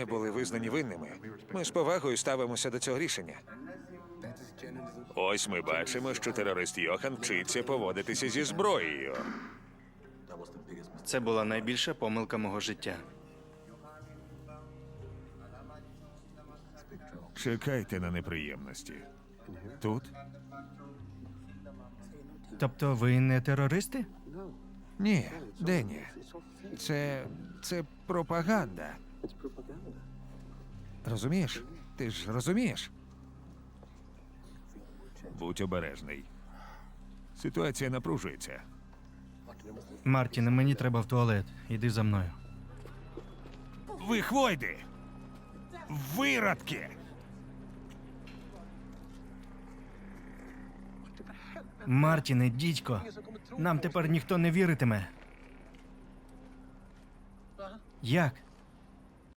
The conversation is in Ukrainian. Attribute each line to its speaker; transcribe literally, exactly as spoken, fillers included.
Speaker 1: Ми були визнані винними. Ми з повагою ставимося до цього рішення. Ось ми бачимо, що терорист Йохан вчиться поводитися зі зброєю.
Speaker 2: Це була найбільша помилка мого життя.
Speaker 1: Чекайте на неприємності. Тут?
Speaker 3: Тобто ви не терористи?
Speaker 1: Ні, Денні. Це... це пропаганда. Розумієш? Ти ж розумієш? Будь обережний. Ситуація напружується.
Speaker 3: Мартіне, мені треба в туалет. Іди за мною.
Speaker 1: Ви хвойди! Виродки!
Speaker 3: Мартіне, дідько, нам тепер ніхто не віритиме. Як?